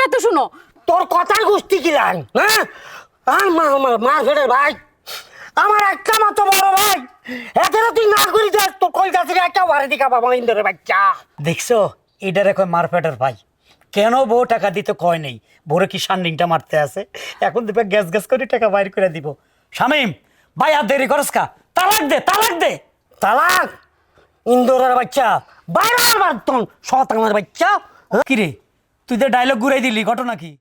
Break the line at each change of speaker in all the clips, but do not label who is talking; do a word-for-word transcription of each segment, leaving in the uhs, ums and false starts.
কথাটা তো শুনো।
তোর কথার গোষ্ঠী কি লাইন? হ্যাঁ আর মা আমার মা ফেরে ভাই, আমার একটা মাত্র বড় ভাই, এতেও তুই না করি দেখ তোর কলকাতার একটা বাড়ি দিকা বাবা ইন্দরের বাচ্চা।
দেখছো এটার এখন মারপেটার ভাই, কেন বউ টাকা দিতে কয় নেই, ভোরে কি সান্ডিংটা মারতে আছে, এখন দিবে গ্যাস গ্যাস করে টাকা বাইর করে দিব। শামিম ভাই আর দেরি করস কা, তালাক দে তালাক দে।
তালাক? ইন্দরের বাচ্চা বাইরে আমার তোর শতাংশের বাচ্চা।
কিরে তুই তো ডায়লগ ঘুরাই দিলি, ঘটনা কি?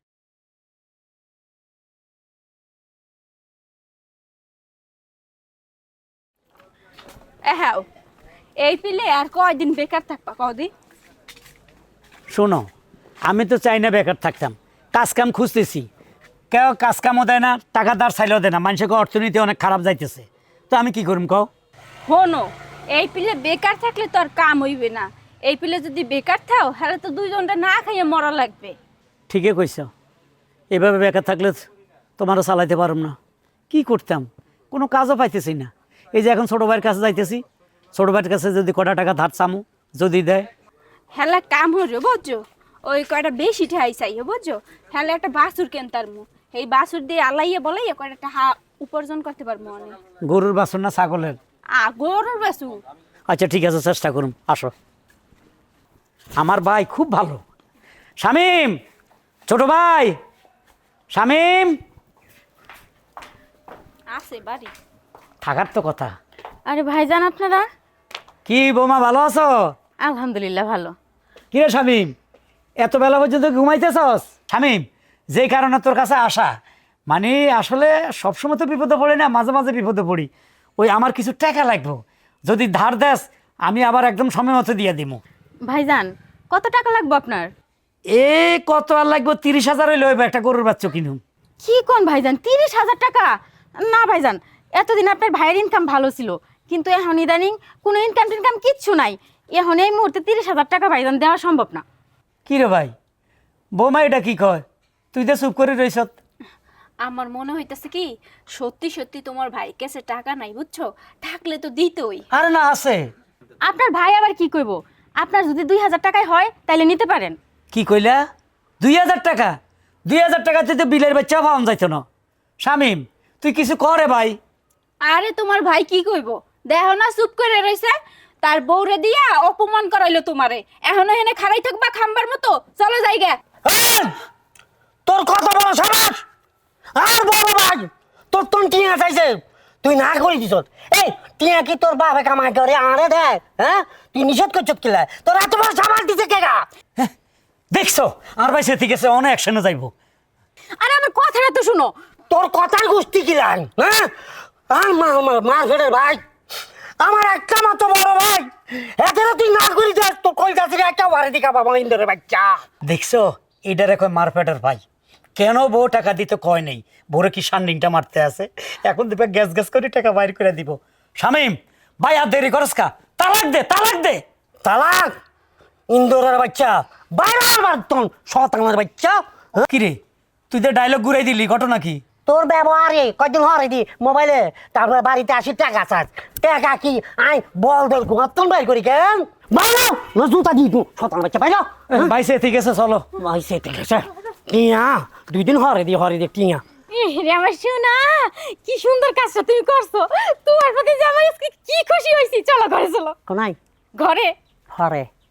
হ্যাঁ, এই পিলে আর কয়দিন বেকার থাকবা কদি?
শোনো আমি তো চাই না বেকার থাকতাম, কাজ কাম খুঁজতেছি, কেউ কাজ কামও দেয় না, টাকা দার চাইলেও দেয় না, মানুষকে অর্থনীতি অনেক খারাপ যাইতেছে, তো আমি কি করুম কও?
হনো, এই পিলে বেকার থাকলে তো আর কাম হইবে না। এই পিলে যদি বেকার থাও তাহলে তো দুইজনটা না খাইয়ে মরা লাগবে।
ঠিকই কইছ, এভাবে বেকার থাকলে তোমারও চালাইতে পারম না, কি করতাম, কোনো কাজও পাইতেছি না। এই যে এখন ছোটো ভাইয়ের কাছে যাইতেছি, ছোটো ভাইয়ের কাছে যদি কটা টাকা ধার চামু, যদি দেয়
হেলা কাম হইবে বুঝছো, ওই কয়টা বেশি ঠাই চাইও বুঝছো, হেলা একটা বাছুর কেনতার মু, এই বাছুর দিয়ে আলাইয়ে বলাইয়ে কয়টা টাকা উপার্জন করতে পারবো অনেক।
গরুর বাছুর না ছাগলের?
আ গরুর বাছুর।
আচ্ছা ঠিক আছে, চেষ্টা করুন, আসো। আমার ভাই খুব ভালো, শামিম ছোট ভাই, শামিম
আছে বাড়ি।
থাকার তো কথা।
আরে ভাইজান আপনারা?
কি বৌমা ভালো আছো?
আলহামদুলিল্লাহ ভালো।
কিরে শামিম এত বেলা পর্যন্ত ঘুমাইতেছস? শামিম যেই কারণে তোর কাছে আসা, মানে আসলে সবসময় তো বিপদে পড়ি না, মাঝে মাঝে বিপদে পড়ি, ওই আমার কিছু টাকা লাগবো, যদি ধার দেস আমি আবার একদম সময় মতো দিয়ে দিব।
ভাইজান কত টাকা লাগবে আপনার?
এ কত আর লাগবো, তিরিশ হাজার হইলে হইব, একটা গরুর বাচ্চা কিনুম।
কি কোন ভাইজান, তিরিশ হাজার টাকা? না ভাইজান, এতদিন আপনার ভাইয়ের ইনকাম ভালো ছিল, কিন্তু এখন ইদানিং কোনো ইনকাম টিনকাম কিচ্ছু নাই, এখন এই মুহূর্তে তিরিশ হাজার টাকা ভাইজান দেওয়া সম্ভব না।
কি রে ভাই, বৌমা এটা কি কয়, তুই তো চুপ করে রইস?
আমার মনে হইতেছে কি সত্যি সত্যি তোমার ভাইয়ের কাছে টাকা নাই বুঝছো, থাকলে তো দিতই।
আরে না আছে।
আপনার ভাই আবার কি কইব, আপনার যদি দুই হাজার টাকায় হয় তাইলে নিতে পারেন।
কি কইলা? দুই হাজার টাকা? দুই হাজার টাকা তুই তো বিলের বাচ্চা পাওয়া যাইতো না। শামিম তুই কিছু করে ভাই।
আরে তোমার ভাই কি কইব, দেখো না চুপ করে রইছে, তার বউরে দিয়া অপমান করাইলো তোমারে, এখন এখানে খাড়াই থাকবা খাম্বার মতো, চলো যাইগা।
এই, তোর কত বড় সাবাস, আর বড় ভাই তোর তোর টিয়া চাইছে, তুই না করে দিস। এই টিয়া কি তোর বাবা কামাই করে আরে দেয়? হ্যাঁ তুই নিষেধ করছত কিলা, তোর এত বড় সাবাস দিছে কেগা?
দেখছো আর ভাই সে ঠিক আছে, অনেক অ্যাকশনে যাইবো।
আরে আমার কথাটা তো শুনো।
তোর কথার গোষ্ঠী কি লাইন? হ্যাঁ আর মা আমার মা ফেরে ভাই, আমার একটা মাত্র বড় ভাই, এতেও তুই না করি দেখ তোর কলকাতার একটা বাড়ি দিকা বাবা ইন্দরের বাচ্চা।
দেখছো এটার এখন মারপেটার ভাই, কেন বউ টাকা দিতে কয় নেই, ভোরে কি সান্ডিংটা মারতে আছে, এখন দিবে গ্যাস গ্যাস করে টাকা বাইর করে দিব। শামিম ভাই আর দেরি করস কা, তালাক দে তালাক দে।
তালাক? ইন্দোরের বাচ্চা বাইরে আমার তোর শতাংশের বাচ্চা।
কিরে তুই তো ডায়লগ ঘুরাই দিলি, ঘটনা কি?
তোর ব্যবহারে কয়দিন হরে দি মোবাইলে, তারপরে বাড়িতে আসি টাকা চাস, টাকা কি আই বল দল ঘুমাতন বাই করি কেন বাইরে না জুতা দি তুই শতাংশ বাচ্চা বাইরে।
ভাই সে ঠিক আছে চলো।
ভাই সে ঠিক আছে, টিয়া দুই দিন হরে দি হরে দি টিয়া।
রে আমার সোনা, কি সুন্দর কাজটা তুমি করছো, তোমার প্রতি যে আমার আজকে কি খুশি হইছি, চলো ঘরে চলো।
কোনাই
ঘরে
হরে